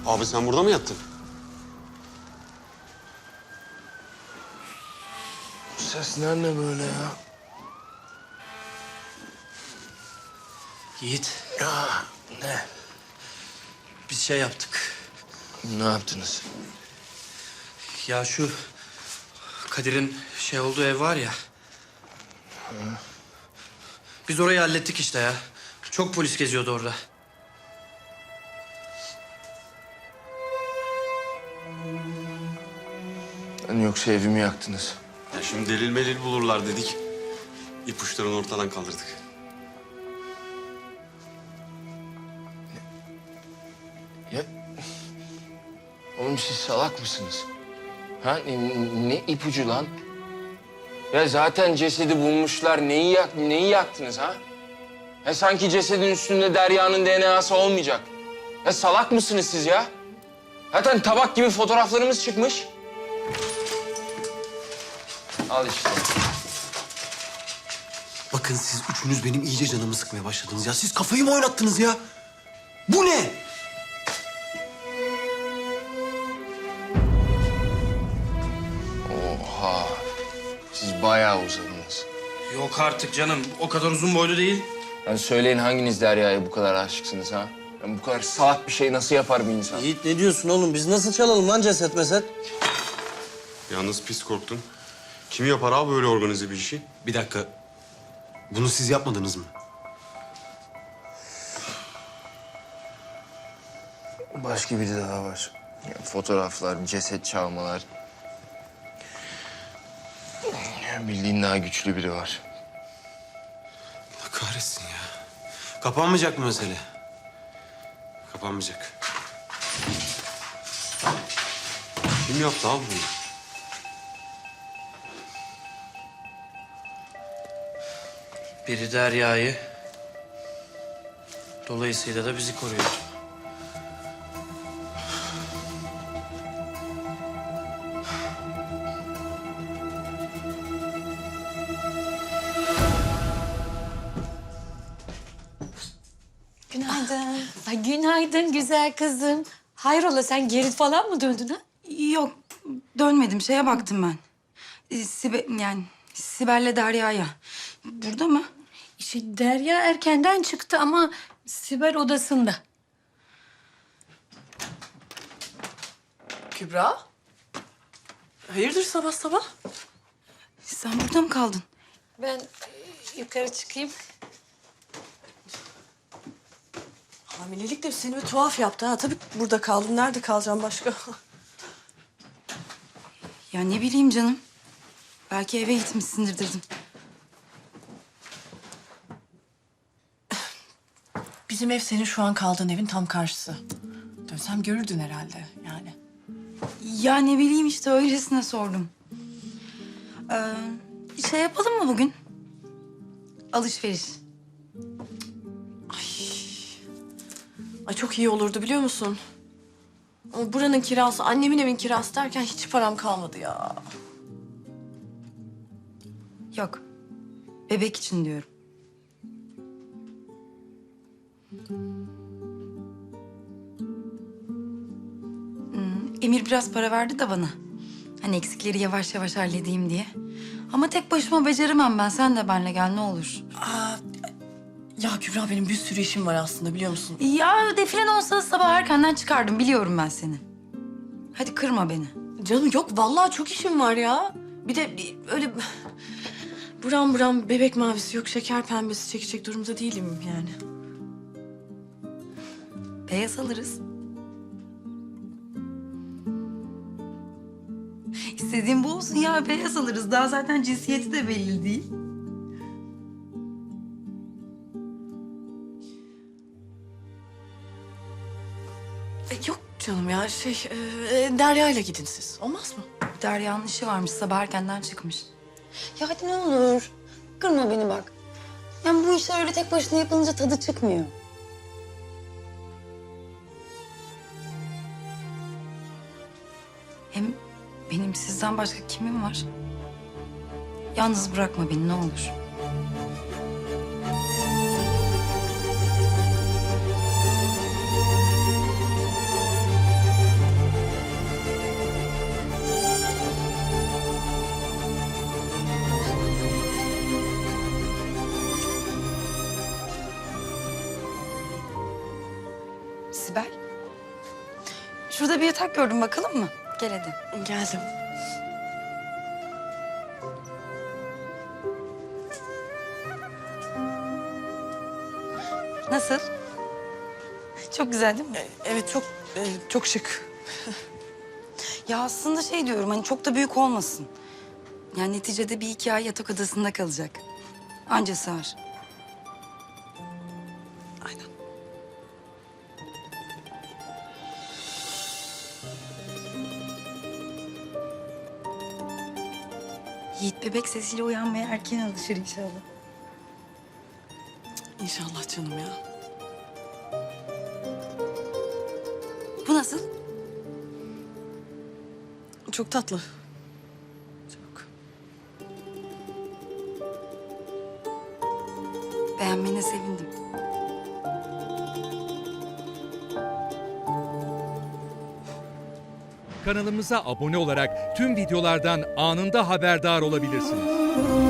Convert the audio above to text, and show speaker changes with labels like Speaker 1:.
Speaker 1: Abi sen burada mı yattın?
Speaker 2: Bu sesler ne böyle ya?
Speaker 3: Yiğit,
Speaker 2: Ya ne?
Speaker 3: biz şey yaptık.
Speaker 2: Ne yaptınız?
Speaker 3: Ya şu Kadir'in şey olduğu ev var ya. Biz orayı hallettik işte ya. Çok polis geziyordu orada.
Speaker 2: Hani yoksa evimi yaktınız?
Speaker 1: Ya şimdi delil melil bulurlar dedik. İpuçlarını ortadan kaldırdık.
Speaker 2: Ya... Oğlum siz salak mısınız? Ha ne ipucu lan? Ya zaten cesedi bulmuşlar. Neyi yaktınız ha? Ya sanki cesedin üstünde Derya'nın DNA'sı olmayacak. Ya salak mısınız siz ya? Zaten tabak gibi fotoğraflarımız çıkmış. Al işte.
Speaker 4: Bakın siz üçünüz benim iyice canımı sıkmaya başladınız ya. Siz kafayı mı oynattınız ya? Bu ne?
Speaker 2: Oha. Siz bayağı uzadınız.
Speaker 3: Yok artık canım. O kadar uzun boylu değil.
Speaker 2: Yani söyleyin hanginiz Derya'ya bu kadar aşıksınız ha? Yani bu kadar salak bir şey nasıl yapar bir insan?
Speaker 5: Yiğit ne diyorsun oğlum? Biz nasıl çalalım lan ceset meset?
Speaker 1: Yalnız pis korktun. Kim yapar abi böyle organize bir işi?
Speaker 4: Bir dakika. Bunu siz yapmadınız mı?
Speaker 2: Başka biri daha var. Ya, fotoğraflar, ceset çalmalar. Ya, bildiğin daha güçlü biri var.
Speaker 4: Allah kahretsin ya. Kapanmayacak mı mesele?
Speaker 1: Kapanmayacak. Kim yaptı abi bunu?
Speaker 3: Biri Derya'yı, dolayısıyla da bizi koruyor.
Speaker 6: Günaydın. Ay, günaydın güzel kızım. Hayrola sen geri falan mı döndün ha?
Speaker 7: Yok, dönmedim. Şeye baktım ben. Sibel'le Derya'ya. Burada mı?
Speaker 6: İşte Derya erkenden çıktı ama Sibel odasında.
Speaker 8: Kübra? Hayırdır sabah sabah?
Speaker 7: Sen burada mı kaldın?
Speaker 6: Ben yukarı çıkayım.
Speaker 8: Hamilelik de seni bir tuhaf yaptı ha. Tabii burada kaldın. Nerede kalacağım başka?
Speaker 7: Ya ne bileyim canım. Belki eve gitmişsindir dedim.
Speaker 8: Bizim ev senin şu an kaldığın evin tam karşısı. Dönsem görürdün herhalde yani.
Speaker 7: Ya ne bileyim işte öylesine sordum. Şey yapalım mı bugün? Alışveriş.
Speaker 8: Ay çok iyi olurdu biliyor musun? Ama buranın kirası, annemin evin kirası derken hiç param kalmadı ya.
Speaker 7: Yok. Bebek için diyorum. Emir biraz para verdi de bana. Hani eksikleri yavaş yavaş halledeyim diye. Ama tek başıma beceremem ben. Sen de benimle gel ne olur.
Speaker 8: Ya Kübra benim bir sürü işim var aslında biliyor musun?
Speaker 7: Ya defilen olsa sabah erkenden çıkardım. Biliyorum ben seni. Hadi kırma beni.
Speaker 8: Canım yok vallahi çok işim var ya. Bir de öyle buram buram bebek mavisi yok şeker pembesi çekecek durumda değilim yani.
Speaker 7: Beyaz alırız. İstediğin bu olsun ya. Beyaz alırız. Daha zaten cinsiyeti de belli değil.
Speaker 8: Yok canım ya Derya ile gidin siz. Olmaz mı?
Speaker 7: Derya'nın işi varmış. Sabah erkenden çıkmış.
Speaker 6: Ya hadi ne olur. Kırma beni bak. Yani bu işler öyle tek başına yapılınca tadı çıkmıyor.
Speaker 7: Hem benim sizden başka kimim var? Yalnız bırakma beni ne olur. Sibel. Şurada bir yatak gördüm, bakalım mı? Gel hadi.
Speaker 8: Geldim.
Speaker 7: Nasıl? Çok güzel değil mi?
Speaker 8: Evet çok şık.
Speaker 7: Ya aslında şey diyorum, hani çok da büyük olmasın. Yani neticede bir iki ay yatak odasında kalacak. Anca sığar.
Speaker 8: Aynen.
Speaker 7: Yiğit bebek sesiyle uyanmaya erken alışır inşallah.
Speaker 8: İnşallah canım ya.
Speaker 7: Bu nasıl?
Speaker 8: Çok tatlı. Çok.
Speaker 7: Beğenmene sevindim.
Speaker 9: Kanalımıza abone olarak tüm videolardan anında haberdar olabilirsiniz.